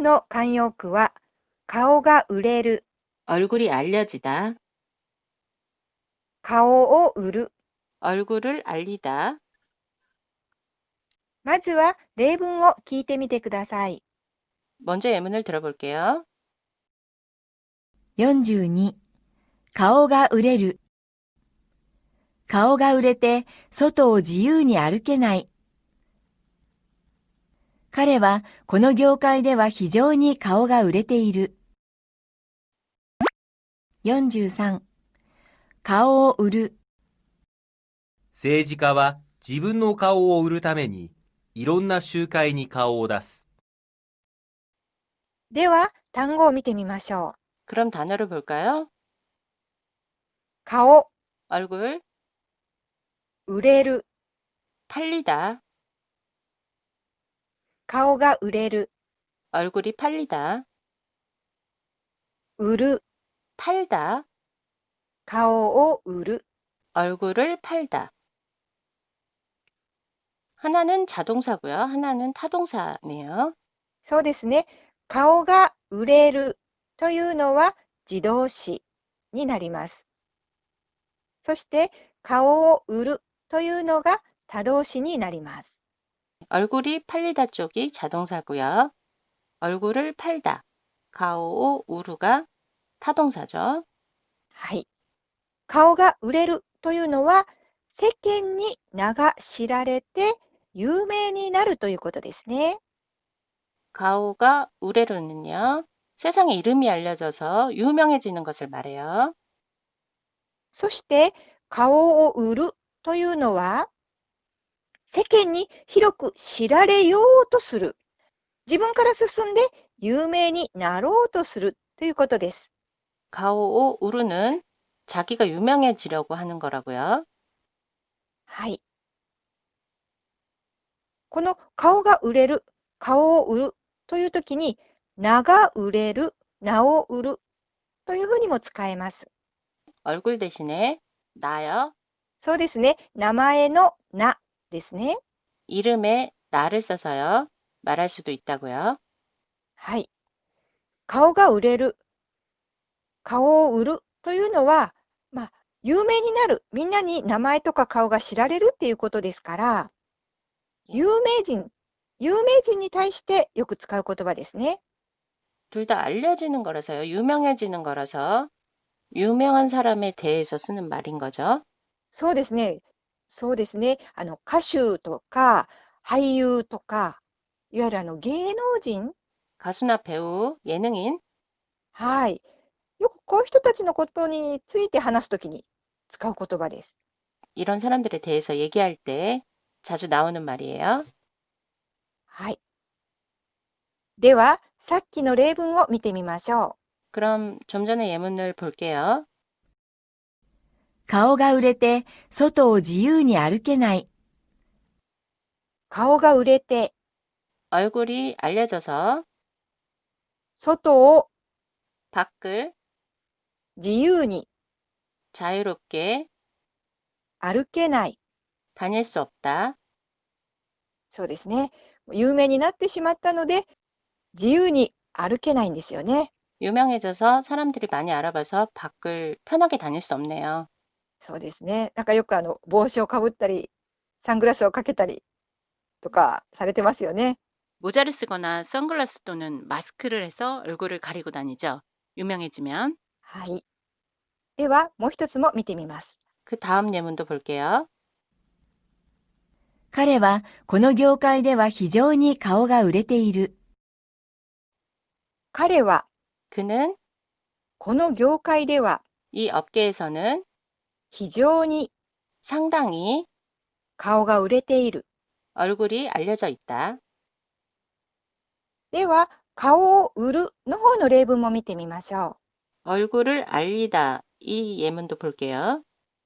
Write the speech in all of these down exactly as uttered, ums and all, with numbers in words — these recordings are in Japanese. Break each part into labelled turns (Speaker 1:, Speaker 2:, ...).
Speaker 1: の慣用句は顔が売れる、
Speaker 2: 얼굴이 알려지다,
Speaker 1: 顔を売る。
Speaker 2: 얼굴을 알리다.
Speaker 1: まずは例文を聞いてみてください。
Speaker 2: 먼저 예문을 들어볼게요.
Speaker 3: よんじゅうに、顔が売れる。顔が売れて外を自由に歩けない。彼はこの業界では非常に顔が売れている。よんじゅうさん、顔を売る。
Speaker 4: 政治家は自分の顔を売るためにいろんな集会に顔を出す。
Speaker 1: では単語を見てみましょう。
Speaker 2: 그럼 단어를 볼까요?
Speaker 1: 顔、
Speaker 2: 얼굴,
Speaker 1: 売れる、
Speaker 2: 팔리다,
Speaker 1: 顔が売れる、
Speaker 2: 얼굴이 팔리다,
Speaker 1: 売る、
Speaker 2: 팔다,
Speaker 1: 顔を売る。
Speaker 2: 얼굴을 팔다. 하나는 자동사고요. 하나는 타동사네요.
Speaker 1: そうですね。顔が売れるというのは自動詞になります。そして顔を売るというのが他動詞になります。
Speaker 2: 얼굴이 팔리다 쪽이 자동사고요. 얼굴을 팔다, 가오 우루가 타동사죠.
Speaker 1: はい。顔が売れるというのは世間に名が知られて有名になるということですね。
Speaker 2: 가오가 우레루는요, 세상에 이름이 알려져서 유명해지는 것을 말해요.
Speaker 1: そして顔を売るというのは世間に広く知られようとする。自分から進んで有名になろうとするということです。
Speaker 2: 가오 우루는 자기가 유명해지려고 하는 거라고요.
Speaker 1: はい。この顔が売れる、顔を売るというときに、名が売れる、名を売るというふうにも使えます。
Speaker 2: 얼굴 대신에 나요,
Speaker 1: そうですね。名前の名ですね。
Speaker 2: 이름에 나를 써서요, 말할 수도 있다고요.
Speaker 1: はい。顔が売れる、顔を売るというのは、まあ、有名になる、みんなに名前とか顔が知られるっていうことですから、有名人、有名人に対してよく使う言葉ですね。
Speaker 2: 둘 다 알려지는 거라서요, 유명해지는 거라서 유명한 사람에 대해서 쓰는 말인 거죠.
Speaker 1: そうですね。そうですね。あの、歌手とか俳優とか、いわゆるあの芸能人、
Speaker 2: 가수나 배우, 예능인,
Speaker 1: はい。よくこういう人たちのことについて話すときに使う言葉です。
Speaker 2: 이런 사람들에 대해서 얘기할 때 자주 나오는 말이에요.
Speaker 1: はい。では、さっきの例文を見てみましょ
Speaker 2: 그럼 좀 전에 예문을 볼게요.
Speaker 3: 顔が売れて外を自由に歩けない。
Speaker 1: う。顔が売れて、
Speaker 2: 얼굴이 알려져서
Speaker 1: 外を
Speaker 2: 밖을
Speaker 1: 自由に
Speaker 2: 자유롭게
Speaker 1: 歩けない。
Speaker 2: 다닐 수 없다.
Speaker 1: そうですね。有名になってしまったので、自由に歩けないんですよね。
Speaker 2: 유명해져서 사람들이 많이 알아봐서 밖을 편하게 다닐 수 없네요.
Speaker 1: そうですね。なんかよくあの帽子をかぶったり、サングラスをかけたりとかされてますよね。
Speaker 2: 모자를 쓰거나 선글라스 또는 마스크를 해서 얼굴을 가리고 다니죠. 유명해지면.
Speaker 1: はい。では、もう一つも見てみます。
Speaker 2: 그 다음 예문도 볼게요.
Speaker 3: 彼はこの業界では非常に顔が売れている。
Speaker 1: 彼は、
Speaker 2: 그는
Speaker 1: この業界では
Speaker 2: 이 업계에서는
Speaker 1: 非常に
Speaker 2: 상당히
Speaker 1: 顔が売れている。
Speaker 2: 얼굴이 알려져 있다.
Speaker 1: では、顔を売るの方の例文も見てみましょ
Speaker 2: 얼굴을 알리다. 이 예문도 볼게요.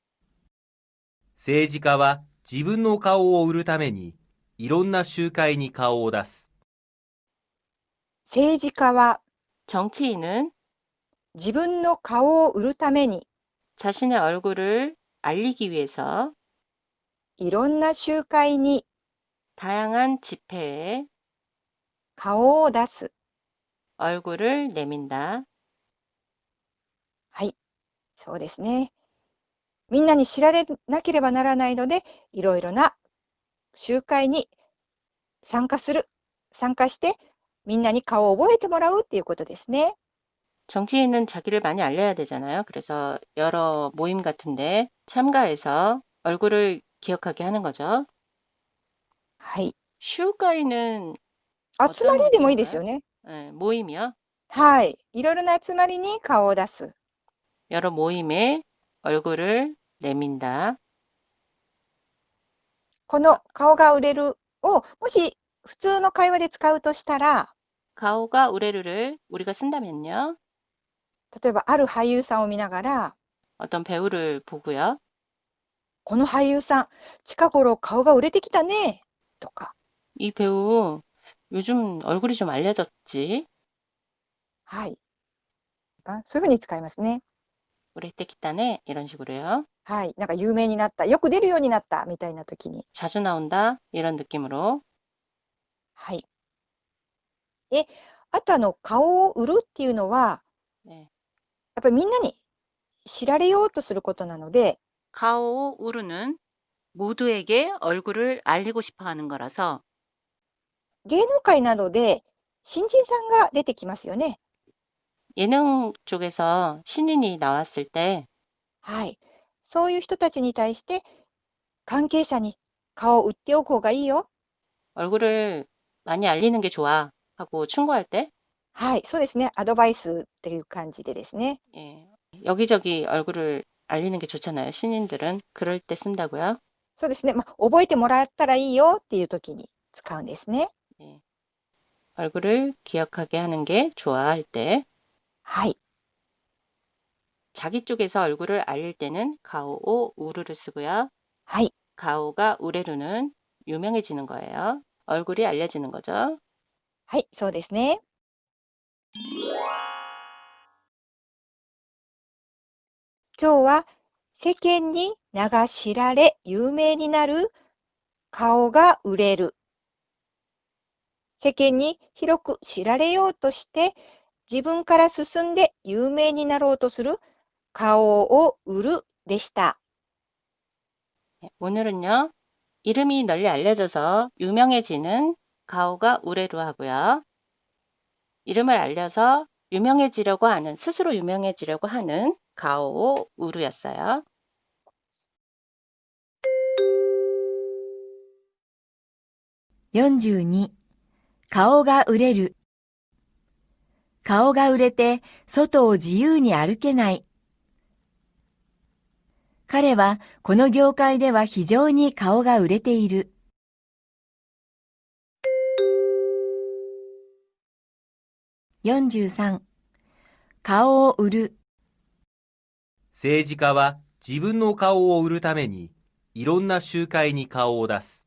Speaker 4: 政治家は自分の顔を売るためにいろんな集会に顔を出す。
Speaker 1: う。政治家は
Speaker 2: 정치인은
Speaker 1: 自分の顔を売るために
Speaker 2: 자신의 얼굴을 알리기 위해서
Speaker 1: いろんな集会に
Speaker 2: 다양한 집회에
Speaker 1: 顔を出す。
Speaker 2: 얼굴을 내민다.
Speaker 1: はい、そうですね。みんなに知られなければならないので、いろいろな集会に参加する。参加して、みんなに顔を覚えてもらうっていうことですね。
Speaker 2: 정치인은 자기를 많이 알려야 되잖아요. 그래서 여러 모임 같은데 참가해서 얼굴을 기억하게 하는 거죠.
Speaker 1: はい。
Speaker 2: 슈가이는
Speaker 1: 集ま
Speaker 2: 어떤
Speaker 1: りでもいいですよ
Speaker 2: 느낌인가요?
Speaker 1: ね。
Speaker 2: 예, 모임이요.
Speaker 1: はい。いろいろな集まりに顔を出す。
Speaker 2: 여러 모임에 얼굴을 내민다.
Speaker 1: この顔が売れるを、もし普通の会話で使うとしたら、
Speaker 2: 가오가 우레르를 우리가 쓴다면요.
Speaker 1: 例えばある俳優さんを見ながら、
Speaker 2: 어떤 배우를 보고요.
Speaker 1: この俳優さん、近頃顔が売れてきたね。とか、
Speaker 2: 이 배우 요즘 얼굴이 좀 알려졌지.
Speaker 1: はい。あ、そういうふうに使いますね。
Speaker 2: 우레테키타네 이런 식으로요.
Speaker 1: はい。なんか有名になった。よく出るようになった。みたいな時に。
Speaker 2: 자주 나온다 이런 느낌으로.
Speaker 1: はい。で、あとあの、顔を売るっていうのは、
Speaker 2: 네.
Speaker 1: やっぱりみんなに知られようとすることなので、
Speaker 2: 가오 우르는 모두에게 얼굴을 알리고 싶어 하는 거라서
Speaker 1: 芸能界などで新人さんが出てきますよね。
Speaker 2: 예능 쪽에서 신인이 나왔을 때
Speaker 1: はい。そういう人たちに対して、関係者に顔を売っておく方がいいよ。
Speaker 2: 얼굴을 많이 알리는 게 좋아 하고 충고할 때
Speaker 1: はい。そうですね。アドバイスっていう感じでですね。
Speaker 2: 예, 여기저기 얼굴을 알리는 게 좋잖아요. 신인들은 그럴 때 쓴다고요.
Speaker 1: そうですね。まあ、覚えてもらったらいいよっていう時に使うんですね。
Speaker 2: 예, 얼굴을 기억하게 하는 게 좋아할 때
Speaker 1: はい。
Speaker 2: 자기 쪽에서 얼굴을 알릴 때는 가오 우르를 쓰고요.
Speaker 1: はい。
Speaker 2: 가오가 우레루는 유명해지는 거예요. 얼굴이 알려지는 거죠.
Speaker 1: はい。そうですね。今日は世間に名が知られ有名になる顔が売れる。世間に広く知られようとして自分から進んで有名になろうとする顔を売るでした。
Speaker 2: 오늘은요. 이름이 널리 알려져서 유명해지는 가오가 우레루 하고요. 이름을 알려서 유명해지려고 하는, 스스로 유명해지려고 하는 가오 우루였어요.
Speaker 3: よんじゅうに、顔が売れる。顔が売れて外を自由に歩けない。彼はこの業界では非常に顔が売れている。よんじゅうさん、顔を売る。
Speaker 4: 政治家は自分の顔を売るためにいろんな集会に顔を出す。